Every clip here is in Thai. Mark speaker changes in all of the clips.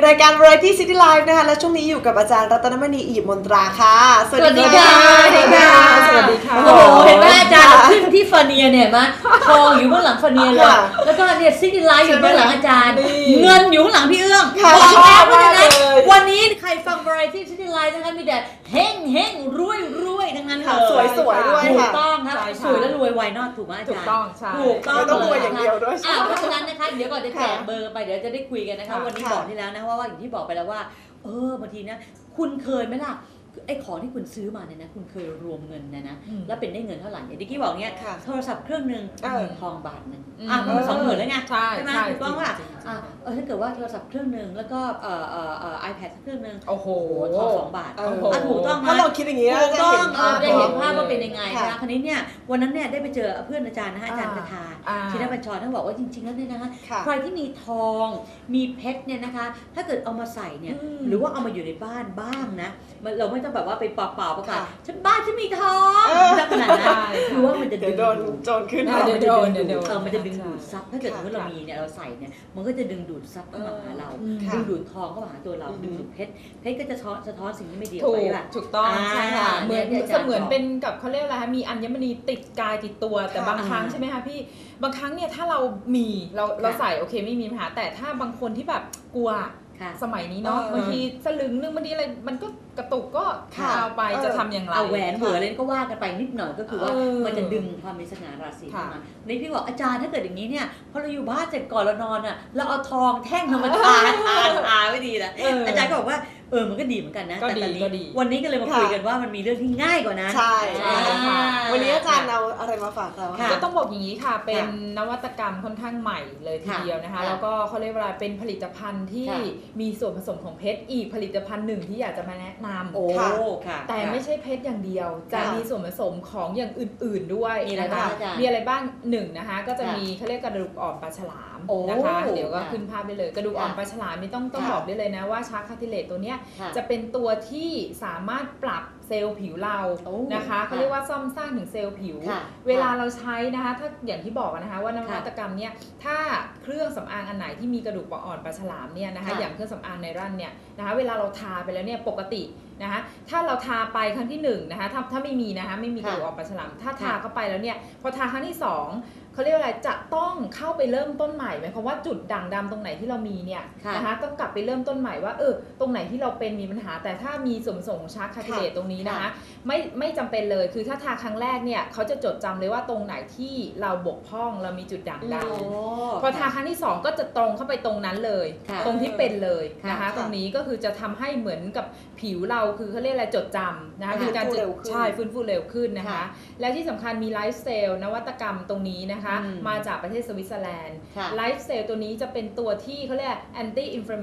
Speaker 1: รายการ Variety City Life นะคะและช่วงนี้อยู่กับอาจารย์รัตนมณีอีบมนตราค่ะ
Speaker 2: สวัสดีค่ะสวัสดีค่ะสวัสดีค่ะโอ้โหเห็นไหมอาจารย์ขึ้นที่ฟาเนียเนี่ยมั้ยทองอยู่เบื้องหลังฟาเนียเลยแล้วก็เนี่ยซิตี้ไลฟ์อยู่เบื้องหลังอาจารย์เงินอยู่ข้างหลังพี่เอื้องบอกแล้วเพราะฉะนั้นวันนี้ใครฟัง Variety City Life นะคะมีแต่เฮงรวยทั้งนั้นเลย
Speaker 1: สวยด้วย
Speaker 2: ถูกต้องครับสวยแล้วรวยไวนอตถูกไหมอาจารย์ถูกต้องใช่ถูกต้อง
Speaker 1: รวยอย่างเดียวด้วย
Speaker 2: เพราะฉะนั้นนะคะเดี๋ยวก่อนจะแจกเบอร์ไปเดี๋ยวจะได้คุยกันนะคะวันนี้บอกที่แล้วนะว่าอย่างที่บอกไปแล้วว่าบางทีนะคุณเคยไหมล่ะไอ้ของที่คุณซื้อมาเนี่ยนะคุณเคยรวมเงินนะแล้วเป็นได้เงินเท่าไหร่อย่างที่กี้บอกเนี่ยโทรศัพท์เครื่องนึงทองบาทนึงมันก็20,000แล้วไงใช่ไหมถูกต้องว่าถ้าเกิดว่าโทรศัพท์เครื่องนึงแล้วก็iPad เครื่องนึง
Speaker 1: โอ้โห
Speaker 2: ทอง2 บาทถูกต้อง
Speaker 1: ถ้าเราคิดอย่างนี้
Speaker 2: ถูกต้องจะเห็นภาพว่าเป็นยังไงนะคราวนี้เนี่ยวันนั้นเนี่ยได้ไปเจอเพื่อนอาจารย์นะคะอาจารย์คาถาชินบัญชรท่านบอกว่าจริงๆแล้วเนี่ยนะคะใครที่มีทองมีเพชรเนี่ยนะคะถ้าเกิดเอามาใส่เนี่ยหรือว่าเอามาอยู่ในบ้านบ้างนะเราไม่ต้องแบบว่าไปเปล่าๆประกาศฉันบ้านฉันมีทองขนาดนั้นคือว่ามันจะดึง
Speaker 1: โดนโจรขึ้น
Speaker 2: มันจะดึงดูดซับถ้าเกิดเรามีเนี่ยเราใส่เนี่ยมันก็จะดึงดูดซับเข้ามาหาเราดึงดูดทองเข้ามาหาตัวเราดึงดูดเพชรก็จะสะท้อนสิ่งที่ไม่ดีออกไปแบบ
Speaker 3: ถูกต้องใช่ค่ะเหมือนเป็นกับเขาเรียกอะไรคะมีอัญมณีติดกายติดตัวแต่บางครั้งใช่ไหมคะพี่บางครั้งเนี่ยถ้าเรามีเราใส่โอเคไม่มีปัญหาแต่ถ้าบางคนที่แบบกลัวสมัยนี้เนาะบางทีสลึงนึงบางทีอะไรมันก็กระตุกก็เอาไปจะทำอย่างไร
Speaker 2: เอาแหวนเหวออะไรก็ว่ากันไปนิดหน่อยก็คือว่ามันจะดึงความมีสง่าราศีเข้ามาในพี่บอกอาจารย์ถ้าเกิดอย่างนี้เนี่ยพอเราอยู่บ้านเสร็จก่อนเรานอนอ่ะเราเอาทองแท่งธรรมดาไม่ดีนะอาจารย์ก็บอกว่ามันก็ดีเหมือนกันนะแต่วันนี้ก็เลยมาคุยกันว่ามันมีเรื่องที่ง่ายกว่านั้น
Speaker 1: ใช่วันนี้อาจารย์เอาอะไรมาฝากเรา
Speaker 3: ก็ต้องบอกอย่างนี้ค่ะเป็นนวัตกรรมค่อนข้างใหม่เลยทีเดียวนะคะแล้วก็เขาเรียกว่าเป็นผลิตภัณฑ์ที่มีส่วนผสมของเพชรอีกผลิตภัณฑ์หนึ่งที่อยากจะมาแนะนำแต่ไม่ใช่เพชรอย่างเดียวจะมีส่วนผสมของอย่างอื่นๆด้วยนะคะมีอะไรบ้าง1นะคะก็จะมีเขาเรียกกระดูกอ่อนปลาฉลามนะคะเดี๋ยวก็ขึ้นภาพได้เลยกระดูกอ่อนปลาฉลามนี่ต้องบอกได้เลยนะว่าชาร์คาทิเลตตัวเนี้ยจะเป็นตัวที่สามารถปรับเซลล์ผิวเรานะคะเขาเรียกว่าซ่อมสร้างถึงเซลล์ผิวเวลาเราใช้นะคะถ้าอย่างที่บอกนะคะว่านวัตกรรมเนี่ยถ้าเครื่องสำอางอันไหนที่มีกระดูกอ่อนปลาฉลามเนี่ยนะคะอย่างเครื่องสำอางไนรันเนี่ยนะคะเวลาเราทาไปแล้วเนี่ยปกตินะคะถ้าเราทาไปครั้งที่1นะคะถ้าไม่มีนะคะไม่มีกระดูกอ่อนปลาฉลามถ้าทาเข้าไปแล้วเนี่ยพอทาครั้งที่2เขาเรียกอะไรจะต้องเข้าไปเริ่มต้นใหม่หมายความว่าจุดด่างดำตรงไหนที่เรามีเนี่ยนะคะต้องกลับไปเริ่มต้นใหม่ว่าตรงไหนที่เราเป็นมีปัญหาแต่ถ้ามีส่วนผสมของชาร์คาทิเลตตรงนี้นะคะไม่จำเป็นเลยคือถ้าทาครั้งแรกเนี่ยเขาจะจดจำเลยว่าตรงไหนที่เราบกพร่องเรามีจุดด่างดำพอทาครั้งที่2ก็จะตรงเข้าไปตรงนั้นเลยตรงที่เป็นเลยนะคะตรงนี้ก็คือจะทำให้เหมือนกับผิวเราคือเขาเรียกอะไรจดจำนะคะคือการฟื้นฟูเร็วขึ้นนะคะและที่สำคัญมีไลฟ์สเตลนวัตกรรมตรงนี้นะคะมาจากประเทศสวิตเซอร์แลนด์ไลฟ์เซลตัวนี้จะเป็นตัวที่เขาเรียก anti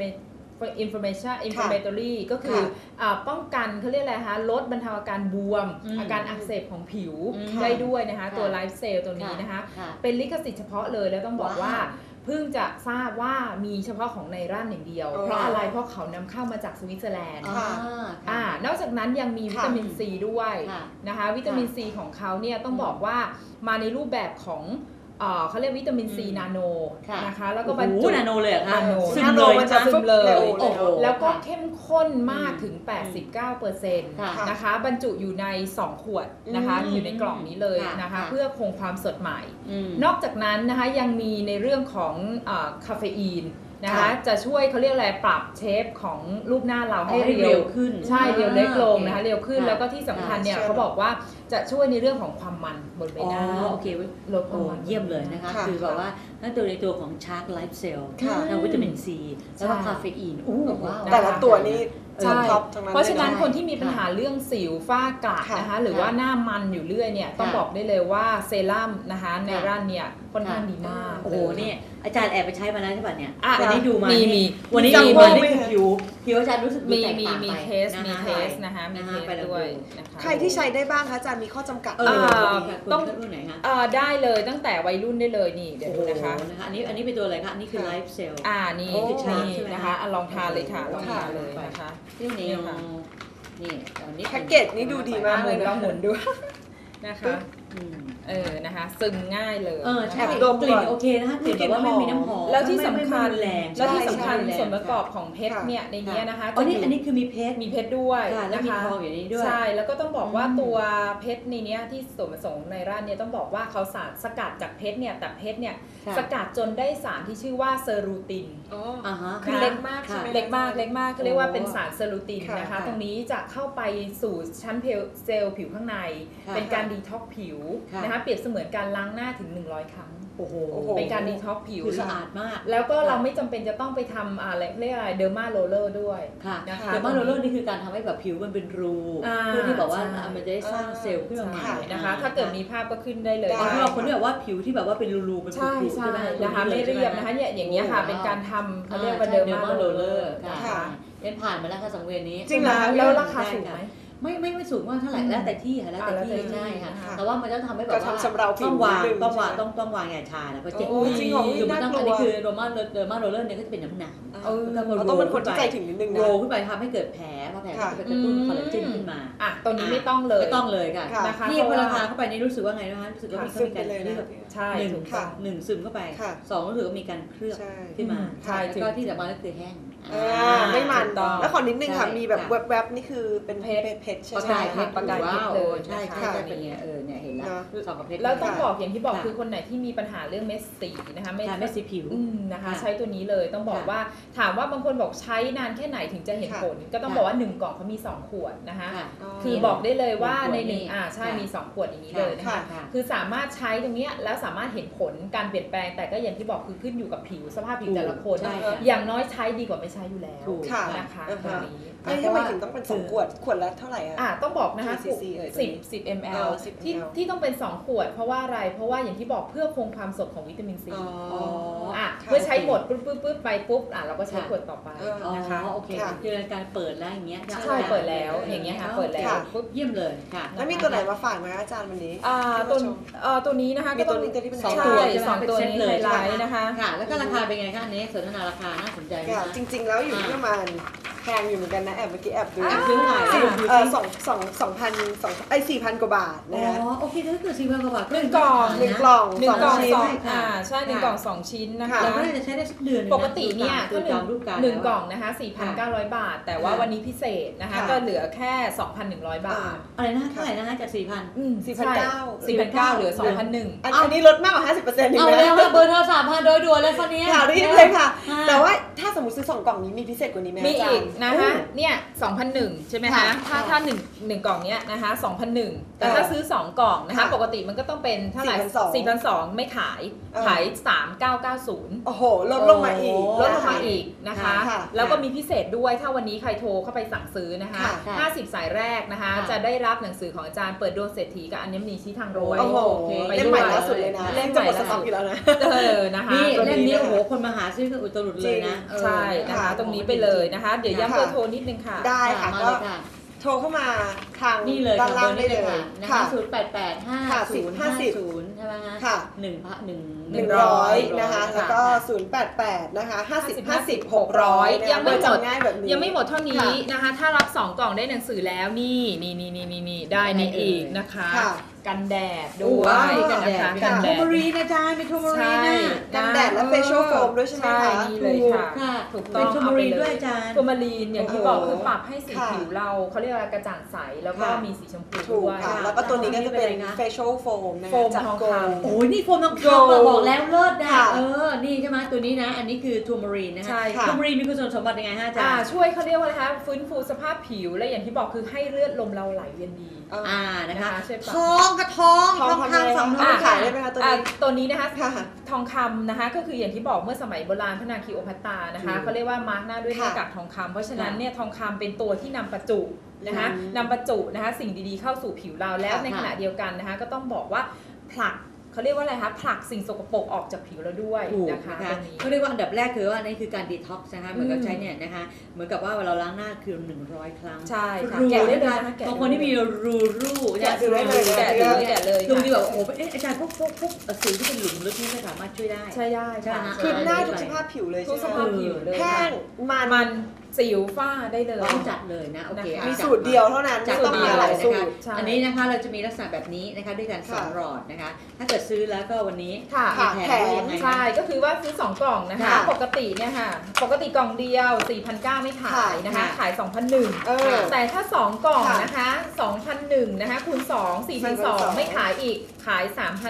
Speaker 3: inflammatory ก็คือป้องกันเขาเรียกอะไรคะลดบรรเทาอาการบวมอาการอักเสบของผิวได้ด้วยนะคะตัวไลฟ์เซลตัวนี้นะคะเป็นลิขสิทธิ์เฉพาะเลยแล้วต้องบอกว่าเพิ่งจะทราบว่ามีเฉพาะของไนรันอย่างเดียวเพราะอะไรเพราะเขานำเข้ามาจากสวิตเซอร์แลนด์นอกจากนั้นยังมีวิตามินซีด้วยนะคะวิตามินซีของเขาเนี่ยต้องบอกว่ามาในรูปแบบของเขาเรียกวิตามินซีนาโนนะคะแล้วก็บรรจุ
Speaker 2: นาโนเลยค่ะ
Speaker 3: ซึมเลยมันจะซึมเลยแล้วก็เข้มข้นมากถึง 89% นะคะบรรจุอยู่ใน2ขวดนะคะอยู่ในกล่องนี้เลยนะคะเพื่อคงความสดใหม่นอกจากนั้นนะคะยังมีในเรื่องของคาเฟอีนนะคะจะช่วยเขาเรียกอะไรปรับเชฟของรูปหน้าเราให้เร็วขึ้นใช่เร็วเล็กลงนะคะเร็วขึ้นแล้วก็ที่สำคัญเนี่ยเขาบอกว่าจะช่วยในเรื่องของความมันบนใบหน้า
Speaker 2: โอเคลดความมันเยี่ยมเลยนะคะคือแบบว่านั่นตัวในตัวของชาร์กไลฟ์เซลล์แล้ววิตามินซีแล้วก็คาเฟอีน
Speaker 1: แต่ละตัวนี้
Speaker 3: เพราะฉะนั้นคนที่มีปัญหาเรื่องสิวฝ้ากระนะคะหรือว่าหน้ามันอยู่เรื่อยเนี่ยต้องบอกได้เลยว่าเซรั่มนะคะไนรันเนี่ยค่อนข้างดีมาก
Speaker 2: โอ้โหนี่อาจารย์แอบไปใช้มาแล้วใช่ป่ะเนี่ยวันนี้ดูมา
Speaker 3: วันนี้
Speaker 2: มีมาผิวอาจารย์รู้สึก
Speaker 3: มีเทสนะคะมีเทสด้วยนะคะ
Speaker 1: ใครที่ใช้ได้บ้างคะอาจารย์มีข้อจำกัด
Speaker 2: ต้องรุ่นไหนคะ
Speaker 3: ได้เลยตั้งแต่วัยรุ่นได้เลยนี่เดี๋ยวนะคะ
Speaker 2: อันนี้เป็นตัวอะไรคะอันนี้คือไลฟ์เซลล์
Speaker 3: นี่นะคะลองทานเลยค่ะลองทานเลยนะคะ
Speaker 2: นี่ค่ะนี่
Speaker 1: แพ็กเกจนี้ดูดีมากเลย
Speaker 3: ลองหมุนดูนะคะนะคะซึมง่ายเลย
Speaker 2: ใช่
Speaker 3: นะคะ
Speaker 1: ดม
Speaker 2: กลิ่นโอเคนะคะกลิ่นแบบว่าไม่มีน้ำหอม
Speaker 3: แล้วที่สำคัญ
Speaker 2: ไม่แรง
Speaker 3: แล้วที่สำคัญ
Speaker 2: ใช่
Speaker 3: ส่วนประกอบของเพชรเนี่ยในนี้นะคะ
Speaker 2: อันนี้คือมีเพชร
Speaker 3: มีเพชรด้วย
Speaker 2: แล้ว
Speaker 3: นะ
Speaker 2: มี
Speaker 3: คะ
Speaker 2: ทองอยู่ในนี้ด้วย
Speaker 3: ใช่แล้วก็ต้องบอกว่าตัวเพชรในนี้ที่ส่วนผสมในร้านเนี่ยต้องบอกว่าเขาสกัดจากเพชรเนี่ยแต่เพชรเนี่ยสกัดจนได้สารที่ชื่อว่าเซอรูติน
Speaker 1: คือเล็กมากใช่ไหม
Speaker 3: เล็กมากเขาเรียกว่าเป็นสารเซอรูตินนะคะ
Speaker 1: ค่ะ
Speaker 3: ตรงนี้จะเข้าไปสู่ชั้นเซลล์ผิวข้างใน
Speaker 2: ค่ะ
Speaker 3: เป็นการดีท็อกผิว
Speaker 2: ค่ะ
Speaker 3: นะคะเปรียบเสมือนการล้างหน้าถึง100 ครั้ง
Speaker 2: โอ้โห
Speaker 3: เป็นการดีท็อกผิว
Speaker 2: คือสะอาดมาก
Speaker 3: แล้วก็เราไม่จำเป็นจะต้องไปทำอะไรเรียกอะไรเดอร์มาโรลเลอร์ด้วย
Speaker 2: ค่ะ
Speaker 3: นะคะ
Speaker 2: เดอร์มาโรลเลอร์นี่คือการทำให้แบบผิวมันเป็นรูเพื่อที่แบบว่า
Speaker 3: ใช่
Speaker 2: มันจะได้สร้างเซลล์ขึ้นมาใหม่
Speaker 3: ใช่นะคะ ถ้าเกิดมีภาพก็ขึ้นได้เลย
Speaker 1: ได้
Speaker 2: สำหรับคนที่แบบว่าผิวที่แบบว่าเป็นรูๆเป็น
Speaker 3: ใช่
Speaker 2: ผุๆ
Speaker 3: ใช่
Speaker 2: ใช่ไหม
Speaker 3: นะคะไม่เรียบนะคะเนี่ยอย่างเงี้ยค่ะเป็นการทำเขาเรียกว่าเดอร์มาโรลเลอร์
Speaker 2: ค่ะ
Speaker 1: ค่ะ
Speaker 2: เล่นผ่านมาแล้วค่ะสังเวียนนี้
Speaker 1: จริงเหรอคะ
Speaker 3: แล้วราคาสูงไหม
Speaker 2: ไม่สูงมากเท่าไหร่แล้วแต่ที่ค่ะแล้วแต่ที่ใช่ค่ะ
Speaker 3: ค่ะ
Speaker 2: แต่ว่ามันต้องทำให้แบบ
Speaker 1: ก็
Speaker 2: ว่า
Speaker 1: ทำชำเราผิว
Speaker 2: ต้องวาง
Speaker 1: นิดนึง
Speaker 2: ต้องวาง
Speaker 1: ใช่ไหม
Speaker 2: ต้องวางอย่างชาแล้วก็เจ็บ
Speaker 1: โอ้จริงเหรอ
Speaker 2: คือมันต้อง
Speaker 1: น่ากลัว
Speaker 2: อันนี้คือโรมาโรลเลอร์เนี่ยก็จะเป็นหนา
Speaker 1: เราต้องเป็นคนที่ใจถึงนิดนึงนะ
Speaker 2: โรขึ้นไปทำให้เกิดแผลเพราะแผลก็จะไปกระตุ้นคอลลาเจนขึ้นมา
Speaker 3: อ่ะตัวนี้ไม่ต้องเลย
Speaker 2: ไม่ต้องเลยค่ะ
Speaker 1: ค่ะ
Speaker 3: นะคะ
Speaker 2: นี่
Speaker 3: เพ
Speaker 2: พ
Speaker 3: ราะ
Speaker 2: อ
Speaker 3: ว่า
Speaker 2: ราคาเข้าไปนี่รู้สึกว่าไงนะคะรู้สึกว่ามี
Speaker 1: ซึม
Speaker 2: การ
Speaker 1: ไปเลย
Speaker 2: เคลื
Speaker 1: นะ
Speaker 2: อบ
Speaker 3: ใช่
Speaker 2: หนึ่ง
Speaker 3: ถูก
Speaker 1: ค่ะ
Speaker 3: ต้อง
Speaker 2: หนึ่งซึมเข้าไป
Speaker 1: ค่ะ
Speaker 2: สองรู้สึกว่ามีการเคลือบ
Speaker 1: ใช่
Speaker 2: ขึ้นมา
Speaker 3: ใช่
Speaker 2: แล้วก็ที่สำคัญก็คือแห้ง
Speaker 1: ไม่มัน
Speaker 3: ถูกต้อง
Speaker 1: แล้วขอนิดนึงค่ะ
Speaker 2: ใช่
Speaker 1: มีแบบ
Speaker 2: ค่ะ
Speaker 1: แวบๆนี่คือเป็นเพชรใช่
Speaker 2: ประ
Speaker 1: ไหม
Speaker 2: กายเพ
Speaker 1: คะ
Speaker 2: ชร
Speaker 3: ประกายเพชร
Speaker 2: ว้าว
Speaker 3: เลย
Speaker 2: ใช่
Speaker 3: นะคะ
Speaker 2: ใช่ใช่เป็นไงเนี่ยเห็นแล้ว
Speaker 1: เนอะ
Speaker 2: สองกับเพชร
Speaker 3: แล้วต้อง
Speaker 1: ค่ะ
Speaker 3: บอกอย่างที่บอก
Speaker 2: ค่ะ
Speaker 3: คือคนไหนที่มีปัญหาเรื่องเม็ดสีนะคะ
Speaker 2: ค่ะเม็ดสีผิว
Speaker 3: นะคะ
Speaker 2: ค่ะ
Speaker 3: ใช้ตัวนี้เลยต้องบอก
Speaker 2: ค่ะ
Speaker 3: ว่าถามว่าบางคนบอกใช้นานแค่ไหนถึงจะเห็น
Speaker 1: ค่ะ
Speaker 3: ผล ก็ต้อง
Speaker 2: ค่ะ
Speaker 3: บอกว่า1กล่องเขามี2ขวดนะคะ
Speaker 2: ค่ะ
Speaker 3: คือบอกได้เลยว่าใน
Speaker 2: หนึ่งขวด
Speaker 3: ใช่
Speaker 2: ค่ะ
Speaker 3: มี2ขวดอย่างนี้เลยนะคะ
Speaker 2: ค่ะ
Speaker 3: คือสามารถใช้ตรงเนี้ยแล้วสามารถเห็นผลการเปลี่ยนแปลงแต่ก็อย่างที่บอกคือขึ้นอยู่กับผิวสภาพผิวแต่ละคน
Speaker 2: ใช่ค่ะ
Speaker 3: อย่างน้อยใช้ดีกว่าไม่ใช้อยู่แล้ว
Speaker 2: ถูก
Speaker 1: ค่ะ
Speaker 3: นะคะ
Speaker 1: อ่า
Speaker 3: ตัว
Speaker 1: ฮะ
Speaker 3: นี้
Speaker 1: ไม่ทำไมถึงต้องเป็น2ขวดขวดละเท่าไหร่อะ
Speaker 3: ต้องบอกนะคะ
Speaker 1: กี่ cc เอ่ยตัวนี้
Speaker 3: 10 ml
Speaker 1: 10
Speaker 3: ที่
Speaker 1: ml
Speaker 3: ที่ต้องเป็น 2 ขวด เพราะว่าอะไร เพราะว่าอย่างที่บอกเพื่อคงความสดของวิตามินซี
Speaker 1: อ๋อ
Speaker 3: อ่ะ
Speaker 1: ค่ะ
Speaker 3: เมื่อใช้หมดปุ๊บไปปุ๊บเราก็ใช้ขวดต่อไป
Speaker 2: อ๋อ
Speaker 3: นะคะ
Speaker 2: โอเค
Speaker 1: ค่ะ
Speaker 2: คือการเปิดแล้วอย่างเงี้ย
Speaker 3: ใช่เปิดแล้วอย่างเงี้ยค่ะเปิดแล้ว
Speaker 1: ค่ะ
Speaker 3: ปุ๊บ
Speaker 2: เยี่ยมเลยค่ะ
Speaker 1: แล้วมีตัวไหนมาฝากไหมคะอาจารย์วันนี้
Speaker 3: ตัวตัวนี้นะคะ
Speaker 1: มี
Speaker 3: ก็
Speaker 1: ตัวนี้ตัวที่เป็น
Speaker 3: ใช่
Speaker 1: ไฮไลท์
Speaker 3: สองตัวนี้
Speaker 2: เป็นเซตเลย
Speaker 3: ไฮไลท์นะคะ
Speaker 2: ค่ะ แล้วก็ราคาเป็นไงคะอันนี้สนทนาราคาน่าสนใจไหม
Speaker 1: ค่ะ
Speaker 2: คะ
Speaker 1: จริง ๆ แล้วอยู่ที่ประมาณแพงอยู่เหมือนกันนะแอบเมื่อกี้แอบดู
Speaker 2: แอบซื้อหน่อย
Speaker 1: 4,000 กว่าบาท
Speaker 2: อ๋
Speaker 1: นะคะ
Speaker 2: อโอเคถ้าเกิด4,000กว่าบาท
Speaker 3: หนึ่งกล่อง
Speaker 1: หนึ่งกล่อง
Speaker 3: หนึ่งกล่อง
Speaker 1: ชิ้น
Speaker 3: สอง
Speaker 2: ค่ะ
Speaker 3: ใช่หนึ่งกล่องสองชิ้นนะคะ
Speaker 2: เราก็น่าจะใช้ได้สักเดือนหนึ่ง
Speaker 3: ปกติเนี่ย
Speaker 2: ดู
Speaker 3: ก็
Speaker 2: ตามรูปการ
Speaker 3: หนึ่ง
Speaker 2: แล้ว
Speaker 3: กล่องนะคะ 4,900 บาท แต่ว่า
Speaker 2: ค่ะ
Speaker 3: วันนี้พิเศษนะคะ
Speaker 1: ค่ะ
Speaker 3: ก็เหลือแค่ 2,100 บาท
Speaker 2: อะไรนะเท่าไหร่นะคะจาก 4,000
Speaker 3: 4,900เหลือ 2,100
Speaker 1: อันนี้ลดมากกว่า 50%อีก
Speaker 2: เอา
Speaker 1: นะ
Speaker 2: แล้วค่ะเบอร์โทรศัพท์มาโดยด่วนเลยคนนี้
Speaker 1: ค่ะรีบเลยค่ะ แต่ว่าถ้าสมมติซื้อ2กล่องนี้มีพิเศษกว่านี้ไหม
Speaker 3: มี
Speaker 1: อาจาร
Speaker 3: อีก
Speaker 1: ย์
Speaker 3: นะคะเนี่ย 2,100 ใช่ไหมคะ
Speaker 1: ค่ะ
Speaker 3: ถ้าหนึ่งกล่องเนี้ยนะคะ 2,100 แต่ถ้าซื้อ 2 กล่องนะคะ
Speaker 1: ค่ะ
Speaker 3: ปกติมันก็ต้องเป็นเท่าไหร่ 4,200 ไม่ขาย
Speaker 1: เออ
Speaker 3: ขาย 3,990
Speaker 1: โอ้โหลดลงมาอีก
Speaker 3: ลดลงมาอีกนะคะ
Speaker 1: ค่ะ
Speaker 3: แล้วก็มีพิเศษด้วยถ้าวันนี้ใครโทรเข้าไปสั่งซื้อนะคะ
Speaker 1: ค่ะ
Speaker 3: 50 สายแรกนะคะ
Speaker 2: ค่ะ
Speaker 3: จะได้รับหนังสือของอาจารย์เปิดดวงเศรษฐีกับอัญมณีชี้ทางรวย
Speaker 1: โอ้โห
Speaker 2: โอเค
Speaker 1: เล่มใหม่ล่าสุดเลยนะ
Speaker 3: เล่ม
Speaker 1: จะ
Speaker 3: ใหม่
Speaker 1: หมดสต็อกอยู่แล้วนะ
Speaker 3: นะคะ
Speaker 2: นี่
Speaker 1: ตัวนี้
Speaker 2: เล่มนี้
Speaker 1: นะคะ
Speaker 2: โอ้โหคนมาหาซื้อกันอุตรุดเลยนะ
Speaker 3: ใช่นะคะ
Speaker 1: ค่ะ
Speaker 3: ตรงนี้ไปเลยนะคะ เดี๋ยวย้ำเบอร์โทรนิดนึงค่ะ
Speaker 1: ได้ค่ะ
Speaker 2: มา
Speaker 1: ก็
Speaker 2: เลยค่ะ
Speaker 1: โทรเข้ามาทาง
Speaker 2: นี่เลย
Speaker 1: ด้าน
Speaker 2: ค่ะ
Speaker 1: ล่างได้เลย
Speaker 2: ค่ะนะคะ
Speaker 1: ค่ะ
Speaker 2: 08850550ใช่ไหมคะ
Speaker 1: ค่ะ
Speaker 2: 100
Speaker 1: นะคะ แล้วก็ 088 นะคะ 50 50 600
Speaker 3: ยังไม่หมด
Speaker 1: ง่ายแบบนี้
Speaker 3: ยังไม่หมดเท่านี้นะคะ ถ้ารับ 2 กล่องได้หนังสือแล้วนี่ได้ในอีกนะคะ
Speaker 1: ค่ะ
Speaker 3: กันแดดด้
Speaker 2: โอ้
Speaker 3: วย
Speaker 2: ว้าว
Speaker 3: กันนะคะ
Speaker 2: กั
Speaker 3: กัน น
Speaker 2: โท
Speaker 3: แดด
Speaker 2: มารีนะจ๊ะเป็นโทมารีนะ
Speaker 1: กันแดดและ facial foam ด้วยใช่ไหมคะ
Speaker 3: ใช่นี่เลยค่ะ
Speaker 2: ค่ะ
Speaker 3: ถูก
Speaker 2: เป็
Speaker 3: ต้อน ง
Speaker 2: โทมารีด้วยอาจารย์
Speaker 3: โทมารีนอย่างที่บอกคือปรับให้สี
Speaker 1: ค่ะ
Speaker 3: ผิวเราเขาเรียกอะไรกระจ่างใสแล้วก็
Speaker 1: ค่ะ
Speaker 3: มีสีชมพู
Speaker 1: ถูก
Speaker 3: ด้วย
Speaker 1: ค่ะ แล้วก็ตัวนี้ก็จะเป็น
Speaker 2: เป็นอะไรคะ
Speaker 1: facial foam นะ
Speaker 3: โฟ
Speaker 1: คะ
Speaker 3: ม
Speaker 1: จาก
Speaker 3: ทอง
Speaker 1: โก
Speaker 3: คำ
Speaker 1: ลด์
Speaker 2: โอ้ยนี่โฟมทองคำ
Speaker 1: Gold
Speaker 2: บอกแล้วเลิศนะ
Speaker 1: ค่ะ
Speaker 2: นี่ใช่ไหมตัวนี้นะ อันนี้คือทัวมารีนนะคะ
Speaker 3: ใช่ค่ะ
Speaker 2: ทัวมารีนมีคุณสมบัติยังไงฮะอาจารย์
Speaker 3: ช่วยเขาเรียกว่าอะไรคะฟื้นฟูสภาพผิวและอย่างที่บอกคือให้เลือดลมเราไหลเวียนดี
Speaker 2: นะคะ
Speaker 3: ช่วยปรับ
Speaker 2: ทองกับทอง
Speaker 1: ทอง
Speaker 2: คำสองทอง
Speaker 1: ขายได้ไหมคะตัวนี้
Speaker 3: ตัวนี้นะคะ
Speaker 1: ค่ะ
Speaker 3: ทองคำนะคะก็คืออย่างที่บอกเมื่อสมัยโบราณพระนางคลีโอพัตตรานะคะเขาเรียกว่ามาร์กหน้าด้วยหน้ากากทองคำเพราะฉะนั้นเนี่ยทองคำเป็นตัวที่นำประจุนะคะ
Speaker 1: อืม
Speaker 3: นำประจุนะคะสิ่งดีๆเข้าสู่ผิวเราแล้ว
Speaker 1: ค่ะ
Speaker 3: ในขณะเดียวกันนะคะก็ต้องบอกว่าผลักเขาเรียกว่าอะไรคะผลักสิ่งสกปรกออกจากผิวเราด้วย
Speaker 2: ถูก
Speaker 3: นะคะ
Speaker 2: นะคะ
Speaker 3: ตรงนี้
Speaker 2: เขาเรียกว่าอันดับแรกคือว่านี่คือการดีท็อกซ์นะคะเหมือนกับใช้เนี่ยนะคะเหมือนกับว่าเวลาเราล้างหน้าคือ100 ครั้ง
Speaker 3: ใช่ค่ะ
Speaker 2: รู
Speaker 3: แกะได้เลย
Speaker 2: นะคะ
Speaker 3: นะคะแกะ
Speaker 2: บางคนที่มีรู
Speaker 1: แกะดูได้เลย
Speaker 3: แกะเลยแกะเลย
Speaker 2: ลุงดีแบบโอ้โหอาจารย์พวกสิวที่เป็นหลุมลึกนี่ก็สามารถช่วยได้
Speaker 3: ใช่ได้
Speaker 2: ใช่
Speaker 3: ค่ะ
Speaker 2: ไหม
Speaker 1: คือหน้าทุก
Speaker 2: ใช่
Speaker 1: สภาพผิวเลย
Speaker 3: ทุก
Speaker 1: ใช่
Speaker 3: ส
Speaker 1: ไหม
Speaker 3: ภาพผิวเลย
Speaker 1: แห้งมัน
Speaker 3: มันสิวฝ้าได้เลย
Speaker 2: ต้องจัดเลยนะโอเค
Speaker 3: นะคะ
Speaker 1: มีสูตรเดียวเท่านั้น
Speaker 2: จัด
Speaker 1: ไม่ต้อง
Speaker 2: มา
Speaker 1: มีห
Speaker 2: เล
Speaker 1: ลาย
Speaker 2: ย
Speaker 1: สู
Speaker 2: นะคะ
Speaker 1: ตร
Speaker 3: ใช่
Speaker 2: อันนี้นะคะเราจะมีลักษณะแบบนี้นะคะด้วยกัน
Speaker 1: ค่ะ
Speaker 2: 2 หลอดนะคะถ้าเกิดซื้อแล้วก็วันนี้
Speaker 3: ค่ะ
Speaker 2: มีแถมด้วยยังไง
Speaker 3: ใช่ก็คือว่าซื้อ2กล่องนะคะ
Speaker 2: ค่ะ
Speaker 3: ปกติเนี่ยค่ะปกติกล่องเดียว 4,900 ไม่ขายนะคะ
Speaker 2: ค่ะ
Speaker 3: ขาย 2,100
Speaker 1: เออ
Speaker 3: แต่ถ้า2กล่อง
Speaker 1: ค่ะ
Speaker 3: นะคะ 2,100นะคะคูณ2 4,200 ไม่ขายอีกขาย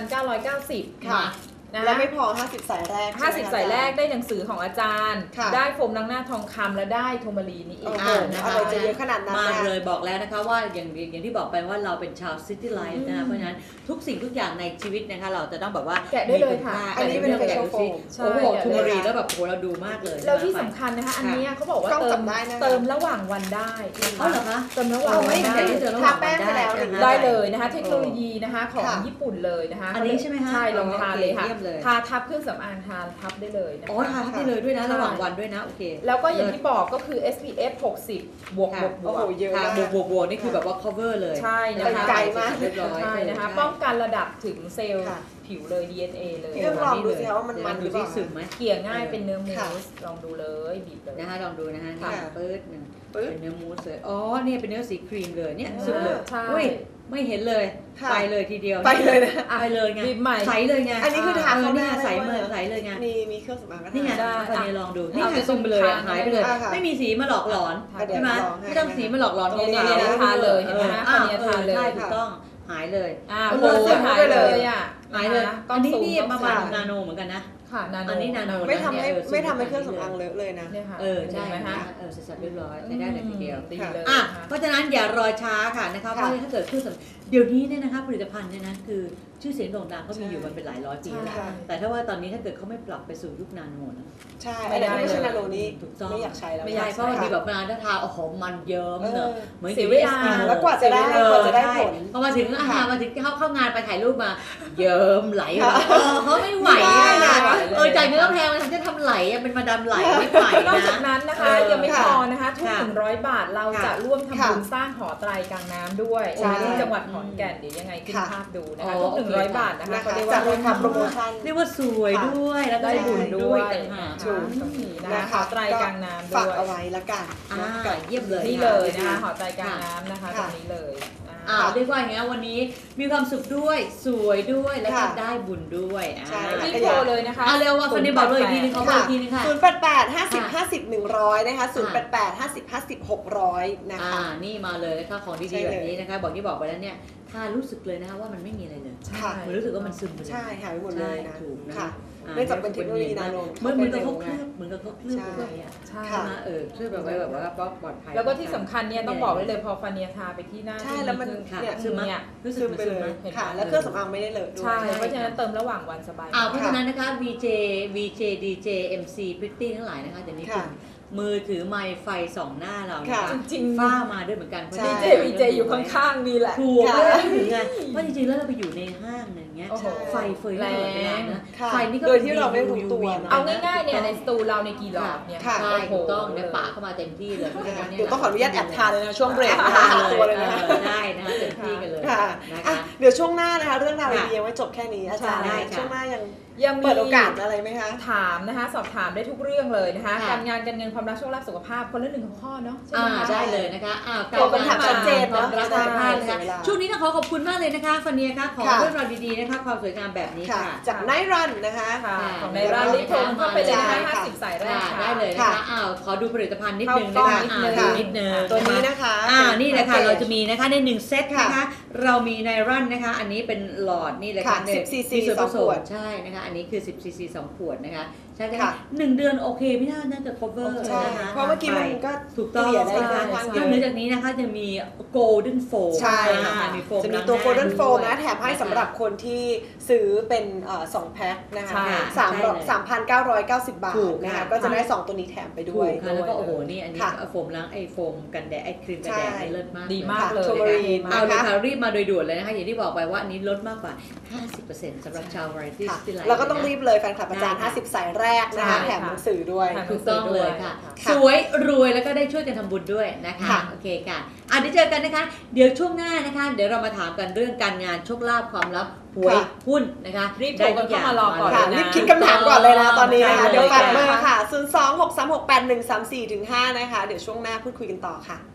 Speaker 3: 3,990
Speaker 1: ค่ะ
Speaker 3: นะ
Speaker 1: และ
Speaker 3: คะ
Speaker 1: ไม่พอ50 สายแรกใช่ไหมคะ
Speaker 3: 50 สายแรกได้หนังสือของอาจารย์
Speaker 1: ค่ะ
Speaker 3: ได้โฟมล้างหน้าทองคำและได้โทมารีนี่อี
Speaker 1: โอ้
Speaker 3: ก
Speaker 1: โห
Speaker 2: นะคะ
Speaker 1: อะไรจะเยอะขนาดนั้น
Speaker 2: มา
Speaker 1: นะ
Speaker 2: เลยบอกแล้วนะคะว่าอย่างที่บอกไปว่าเราเป็นชาวซิตี้ไลฟ์นะคะเพราะฉะนั้นทุกสิ่งทุกอย่างในชีวิตนะคะเราจะต้องแบบว่า
Speaker 3: แกะได้เลยค่ะ
Speaker 2: มีณ
Speaker 1: อันนี้เป็น
Speaker 2: แกะดูสิ
Speaker 3: ใช่
Speaker 2: โอ้โห
Speaker 3: แกะ
Speaker 2: ทู
Speaker 3: เลย
Speaker 2: มารีแล้วแบบโอ้โหเราดูมากเลย
Speaker 3: แล้วที่สำคัญนะคะ อันเนี้ยเขาบอกว่าก
Speaker 1: ล้อง
Speaker 3: เติ
Speaker 1: จั
Speaker 3: ม
Speaker 1: บได้นะคะ
Speaker 3: เติมระหว่างวันได้นะ
Speaker 2: เอาเหรอคะ
Speaker 3: เติมระหว่าง
Speaker 1: เอา
Speaker 3: วั
Speaker 1: ไม่
Speaker 3: น
Speaker 1: เห็
Speaker 3: ได้
Speaker 1: น
Speaker 2: เจอระห
Speaker 1: ทา
Speaker 2: ว่าง
Speaker 1: แป้งไปแล้ว
Speaker 2: วัน
Speaker 3: ได้เลยนะคะเทคโนโลยีนะคะของ
Speaker 1: ค่ะ
Speaker 3: ญี่ปุ่นเลยนะคะ
Speaker 2: อันนี้ใช่ไหมคะ
Speaker 3: ใช่ลองทาเลยค่ะ
Speaker 2: เยี่ยมเลย
Speaker 3: ทาทับเครื่องสำอางทาทับได้เลยนะ
Speaker 2: อ๋อ
Speaker 3: คะ
Speaker 2: ทาได้เลยด้วยนะระหว่างวันด้วยนะโอเค
Speaker 3: แล้วก็อย่างที่บอกก็คือ SPF 60 บวก
Speaker 2: ค่ะ
Speaker 3: บวกบ
Speaker 1: โอ้
Speaker 3: ว
Speaker 1: โห
Speaker 3: ก
Speaker 1: เยอะ
Speaker 2: ค่ะ
Speaker 1: มาก
Speaker 2: บวกนี่คือแบบว่า cover เลย
Speaker 3: ใช่นะ
Speaker 1: ไป
Speaker 3: คะ
Speaker 1: ไกลมาก
Speaker 2: เรียบร้อย
Speaker 3: ใช่นะคะ
Speaker 1: ใช่
Speaker 3: ป้องกันระดับถึงเซลล์
Speaker 1: ค่ะ
Speaker 3: ผิวเลย DNA เลย
Speaker 1: พี่ต้องลองดูสิคะว่ามัน
Speaker 2: เดี๋ย
Speaker 1: มันห
Speaker 2: ดู
Speaker 1: รือเป
Speaker 2: ที่
Speaker 1: ล่า
Speaker 2: ซึมไหม
Speaker 3: เกลี่ยง่ายเป็นเนื้อมู
Speaker 1: ค่ะ
Speaker 3: สลองดูเลยบีบเลย
Speaker 2: นะคะลองดูนะคะ
Speaker 1: ค่ะ
Speaker 2: นี่ปื๊ดหนึ่ง
Speaker 1: ปึ๊บ
Speaker 2: เป็นเนื้อมูสเลยอ๋อเนี่ยเป็นเนื้อสีครีมเลยเนี่ย
Speaker 1: อ่า
Speaker 2: ซึมเลย
Speaker 3: ใช่
Speaker 2: อุ้ยไม่เห็นเลย
Speaker 1: ค่ะ
Speaker 2: ไปเลยทีเดียว
Speaker 1: ไปเลยนะ
Speaker 2: ไปเลยไง
Speaker 3: บีบใหม่
Speaker 2: ใสเลยไง
Speaker 1: อันนี้คือทาเข้าหน้า
Speaker 2: นี่ไงใส
Speaker 1: ได้
Speaker 2: เล
Speaker 1: ด้วย
Speaker 2: ยใสเลยไง
Speaker 1: มีเครื่องสำอางก็ทา
Speaker 2: นี่ไง
Speaker 3: ได้
Speaker 2: ตอนนี้ลองดู
Speaker 3: อ่ะ
Speaker 2: นี่ไง
Speaker 3: เอา
Speaker 2: ซึมไปเลย
Speaker 3: ไป
Speaker 2: หายไปเลย
Speaker 1: อ่ะค่ะ
Speaker 2: ไม่มีสีมาหลอกหลอน
Speaker 3: ค่ะ
Speaker 2: ใช่ไหม
Speaker 1: เดี๋ยวลองให้
Speaker 2: ไม่ต้องสีมาหลอกหลอน
Speaker 3: เนี่ย
Speaker 2: ขาว
Speaker 3: เนี่ยทาเลยเห็นไหมคะ
Speaker 2: อ้าว
Speaker 3: คนนี้ทาเลย
Speaker 2: ใช่ถูกต้องหายเลย
Speaker 3: โอ้โห
Speaker 1: เออ
Speaker 3: หายเลยอ่ะ
Speaker 2: หายเลย
Speaker 3: นะคะ
Speaker 2: อันนี้
Speaker 3: ซู
Speaker 2: นี่
Speaker 3: ต้อง
Speaker 2: ประมาณ
Speaker 3: ซู
Speaker 2: นาโนเหมือนกันนะ
Speaker 3: ค่ะนาโน
Speaker 2: อันนี้นาโน
Speaker 1: ไม่ทำให้
Speaker 2: เออ
Speaker 1: ไม่ทำให้เครื่องสำอางเลอะเลยนะ
Speaker 3: เนี่ยค่ะ
Speaker 2: ใช่
Speaker 3: เห็นไหม
Speaker 2: นะคะ
Speaker 3: คะ
Speaker 2: เสร็จสับเรียบร้อยใช้ได้เลยทีเดียว
Speaker 3: ดีเลย
Speaker 2: อ่ะ
Speaker 3: นะคะ
Speaker 2: เพราะฉะนั้นอย่ารอช้าค่ะนะคะเพราะถ้าเกิดเครื่องสำเดี๋ยวนี้เนี่ยนะคะผลิตภัณฑ์เนี่ยนะคือชื่อเสียงโด่งดังก็มีอยู่มันเป็นหลายร้อยปีแล้ว
Speaker 1: ใช่
Speaker 2: แต่ถ้าว่าตอนนี้ถ้าเกิดเขาไม่ปรับไปสู่ยุคนาโนนะ
Speaker 1: ใช่
Speaker 3: ไม่
Speaker 1: อัน
Speaker 3: ได้
Speaker 1: นี้ไม่ใช่นาโนนี่
Speaker 2: ถูกต้อง
Speaker 1: ไม่อยากใช้แล้ว
Speaker 3: ไม่
Speaker 2: ไม่
Speaker 3: อยา
Speaker 2: ใช่
Speaker 3: ก
Speaker 2: เพราะบางทีแบบเวลาถ้าทาโอ้โหมันเยิ้มเนอะเหมือน
Speaker 3: เสียเวลา
Speaker 1: แล้วกว่าจะได้
Speaker 2: เออก
Speaker 1: ว่าจะได้
Speaker 2: ใช่
Speaker 1: ผล
Speaker 2: พอมาถึงมาถึงเข้างานไปถ่ายรูปมาเยิ้มไหลออกมาเขาไม่ไหว
Speaker 1: ไม่ได้
Speaker 2: อะ
Speaker 1: นะ
Speaker 2: จ่ายเงินก็แพงมันถึงจะทำไหลอะเป็นมาดามไหลไม่ไหวน
Speaker 3: อกจาก
Speaker 2: นะ
Speaker 3: นั้นนะคะ ยังไม่พอนะคะทุก
Speaker 2: ค่ะ
Speaker 3: 100 บาทเรา
Speaker 2: ค่ะ
Speaker 3: จะร่วมทำบุญ
Speaker 1: ค่ะ
Speaker 3: สร้างหอไตรกลางน้ำด้วย
Speaker 1: ใช่
Speaker 3: ที่จังหวัดขอนแก่นเดี๋ยวยังไงขึ้น
Speaker 1: ค่ะ
Speaker 3: ภาพดูนะคะ
Speaker 2: อ๋อ
Speaker 3: ทุก
Speaker 2: โอเค
Speaker 3: 100 บาทนะคะ
Speaker 1: นะ
Speaker 3: เขา
Speaker 1: คะ
Speaker 3: เรียก
Speaker 1: จา
Speaker 3: ว่าก
Speaker 1: ราคาโปรโมชั่น
Speaker 2: เรียกว่าสวยด้วยแล้วก็
Speaker 3: ได้บุญด้วย
Speaker 2: ต่างหาก
Speaker 1: ถูก
Speaker 3: ตรงนี้นะ
Speaker 1: นะคะ
Speaker 3: หอไตรกลางน้ำด้
Speaker 1: ฝาก
Speaker 3: วย
Speaker 1: เอาไว้ละกัน
Speaker 2: อ่า
Speaker 1: นะคะ
Speaker 2: เยี่ยมเลย
Speaker 3: นี่เลยนะคะหอไตรกลางน้ำนะคะต
Speaker 1: ค่ะ
Speaker 3: รงนี้เลยนะคะ
Speaker 2: เรียกว่าอย่างเงี้ยวันนี้มีความสุขด้วยสวยด้วยแล้วก็
Speaker 1: ค่ะ
Speaker 2: ได้บุญด้วย
Speaker 1: ใช่
Speaker 3: รีบโทรเลยนะคะ
Speaker 2: เร็วว่าคนนี้บอกเลยอีกทีนึงเขาบอกอีกทีนึงค่ะ
Speaker 1: 088 50 50 100นะคะ088 50 50 600นะคะ
Speaker 2: นี่มาเลยนะคะของ
Speaker 1: ใช่
Speaker 2: ดีๆ
Speaker 1: เลย
Speaker 2: แบบนี้นะคะบอกที่บอกไปแล้วเนี่ยถ้ารู้สึกเลยนะคะว่ามันไม่มีอะไรเลย
Speaker 1: ค่ะ
Speaker 2: มันรู้สึกว่ามันซึมไปเลย
Speaker 1: ใช่หายไปหมดเลยนะ
Speaker 2: ใช่ถูกนะ
Speaker 1: ค่ะ เนื่องจากเป็นเทคโนโลยีนาโน
Speaker 2: เหมือนกับเขา
Speaker 1: เข้าไปเร็วไง
Speaker 2: เหมือนกับเขาเคลือบเอาไว้อะ
Speaker 3: ใช่
Speaker 1: ค่ะ
Speaker 2: ใช่ไหมเคลือบเอาไว้แบบว่าปลอดภัย
Speaker 3: แล้วก็ที่สำคัญเนี่ยต้องบอกไว้เลยพอฟาเนียทาไปที่หน้า
Speaker 1: ใช่แล้วมัน
Speaker 2: ค่ะ
Speaker 1: เนี่ย
Speaker 2: ซึมไหม
Speaker 3: เนี่ย
Speaker 2: รู้สึก
Speaker 1: ซึม
Speaker 2: มัน
Speaker 1: ไป
Speaker 2: ซึม
Speaker 1: เล
Speaker 2: ไหม
Speaker 1: ยค่ะ แล้วเครื่องสำอางไม่ได้เลอะด้วย
Speaker 3: ใช่เพราะฉะนั้นเติมระหว่างวันสบาย
Speaker 2: เพราะฉะนั้นนะคะ VJ DJ MC Pretty ทั้งหลายนะคะเดี๋ยวนี้คุณ
Speaker 1: ค่ะ
Speaker 2: มือถือไมค์ไฟส่องหน้าเรานะ
Speaker 1: ค่ะ
Speaker 2: คะ
Speaker 3: จริงๆ
Speaker 2: ฝ้ามาด้วยเหมือนกันเพราะ
Speaker 1: ใช่
Speaker 3: เจวีเจอยู่ข้างๆนี่แหละ
Speaker 2: ถูก
Speaker 1: ค่ะ
Speaker 2: เลยถึงไงว่าจริงๆแล้วเราไปอยู่ในห้างอย่างเงี้ย
Speaker 3: โอ้โห
Speaker 2: ไฟเฟยตลอดเวลานะ
Speaker 1: ค่ะ
Speaker 2: ไฟนี่ก็
Speaker 1: โดยที่เราไม่รู้ตัว
Speaker 2: UV
Speaker 1: นะ
Speaker 3: เอาง่ายๆเนี่ยในสตูเราในกี่หลอดเนี่ย
Speaker 1: ค่ะ
Speaker 2: ใช่
Speaker 3: โโห
Speaker 2: ถูกต้องเนี่ยปะเข้ามาเต็มที่เลยเพราะฉะนั้นนี่
Speaker 1: เดี๋ยวต้องขออนุญาตแอบทานเลยนะช่วงเบรกนะคะ
Speaker 2: ทา
Speaker 1: ทาน
Speaker 2: เล
Speaker 1: ตัวย เลยนะคะ
Speaker 2: ได้นะคะเต็มที่กันเลย
Speaker 1: ค่ะ
Speaker 2: นะ
Speaker 1: อ่ะ
Speaker 2: คะ
Speaker 1: เดี๋ยวช่วงหน้านะคะ เรื่องราว
Speaker 2: ค่ะ
Speaker 1: ดีๆยังไม่จบแค่นี้อาจารย์
Speaker 2: ใช่ค่ะ
Speaker 1: ช่วงหน้ายัง
Speaker 3: ยังมี
Speaker 1: เปิดโอกาสอะไรไหมคะ
Speaker 3: ถามนะคะ สอบถามได้ทุกเรื่องเลยนะคะ
Speaker 2: ค่ะ
Speaker 3: การงานการเงินความรักโชคลาภสุขภาพคนละ1ข้อเนาะใช่ไหมคะ
Speaker 2: ได้เลยนะคะ
Speaker 1: ตอบคำถามชัดเจน
Speaker 2: ควา
Speaker 1: เนาะ
Speaker 2: มรักสุขภาพนะคะ
Speaker 1: เสียเวลา
Speaker 2: ช่วงนี้ต้องขอขอบคุณมากเลยนะคะฟาเนียค่ะขอ
Speaker 1: ค่ะ
Speaker 2: เรื่องราวดีๆนะคะความสวยงามแบบนี้
Speaker 1: ค่ะ
Speaker 2: ค่ะ
Speaker 1: จากไนท์รันนะคะ
Speaker 3: ค่ะ
Speaker 2: ค่ะ
Speaker 3: ของในร้านรีบโทรเข้าไปเลยนะคะ
Speaker 1: ใช่ค่ะ
Speaker 3: 50 สายแรก
Speaker 2: ค่ะ
Speaker 3: ค่ะ
Speaker 2: ได้เลยนะคะขอดูผลิตภัณฑ์นิดนึง
Speaker 3: เข้า
Speaker 2: นะ
Speaker 3: กล้
Speaker 2: คะ
Speaker 3: องนิดนึง
Speaker 2: ดูนิดนึง
Speaker 1: ตัวนี้นะคะ
Speaker 2: นี่เลยค่ะ
Speaker 1: ป็น
Speaker 2: เราจะมีนะคะใน1เซตนะคะ
Speaker 1: ค่ะ
Speaker 2: เรามีในรันนะคะ อันนี้เป็นหลอดนี่เลยค่ะ
Speaker 1: ค่ะ10 cc
Speaker 2: มีส่วนผส
Speaker 1: สองขว
Speaker 2: ม
Speaker 1: ด
Speaker 2: ใช่นะคะ อันนี้คือ10 cc 2 ขวดนะคะใช่ไหม
Speaker 1: ค่ะ
Speaker 2: 1 เดือนโอเคไม่น่าจะ cover
Speaker 1: ใช่
Speaker 2: นะคะ
Speaker 1: เพราะเมื่อกี้มันก็
Speaker 2: ถูกต้อง
Speaker 1: เกลี่ยได้
Speaker 2: ใช่
Speaker 1: ค่อนข้าง
Speaker 2: น
Speaker 1: เย
Speaker 2: อกเหนือ
Speaker 1: อะ
Speaker 2: จากนี้นะคะจะมี golden foam
Speaker 1: ใช่ค่ะ
Speaker 2: มีโฟม
Speaker 1: จะมีตัว
Speaker 2: ล้างหน้า
Speaker 1: Golden
Speaker 2: ด้วย
Speaker 1: Foam นะแถมให้สำหรับคนที่ซื้อเป็น2แพ็คนะคะ
Speaker 3: ใช่
Speaker 1: 3,990 บาท
Speaker 2: ถูก
Speaker 1: นะ
Speaker 2: ค่ะ
Speaker 1: คะก็จะได้ 2 ตัวนี้แถมไปด้
Speaker 2: ถู
Speaker 1: วย
Speaker 2: กค่ะแล้วก็โอ้โหนี่อันนี้
Speaker 1: ค่ะ
Speaker 2: โฟมล้างโฟมกันแดดครีมกันแดด
Speaker 1: ใช่
Speaker 2: นี่เลิศมาก
Speaker 3: ดี
Speaker 2: เลย
Speaker 3: มากเลย
Speaker 1: โทมารีน
Speaker 2: เอา
Speaker 1: นะ
Speaker 2: เลย
Speaker 1: คะ
Speaker 2: ค่ะรีบมาโดยด่วนเลยนะคะอย่างที่บอกไปว่าอันนี้ลดมากกว่า 50%สำหรับชาว Variety
Speaker 1: ค่ะ
Speaker 2: Style
Speaker 1: แล้วก็ต้องรีบเลยแฟนคลับอาจารย์
Speaker 2: ได้ค่ะ
Speaker 1: 50 สายแรกนะคะ
Speaker 3: ใช่
Speaker 1: แถมหนังสือด้วย
Speaker 3: ค่ะ
Speaker 2: ถูกต้องเลยค่ะ
Speaker 1: ค่ะ
Speaker 2: สวยรวยแล้วก็ได้ช่วยกันทำบุญด้วยนะคะ
Speaker 1: ค่ะ
Speaker 2: โอเคค่ะเดี๋ยวเจอกันนะคะ เดี๋ยวช่วงหน้านะคะ เดี๋ยวเรามาถามกันเรื่องการงานโชคลาภความลับหวยหุ้นนะคะ
Speaker 3: รีบโทรกันเข้ามารอก่อน
Speaker 1: ค่ะ
Speaker 3: เลยนะ
Speaker 1: รีบคิดคำถามก่อนเลยนะตอนนี้นะคะ
Speaker 2: ใช่
Speaker 1: เดี๋ยวฝากเบอ
Speaker 2: เลย
Speaker 1: ร์ค่ะ 026368134-5 นะคะ เดี๋ยวช่วงหน้าพูดคุยกันต่อค่ะ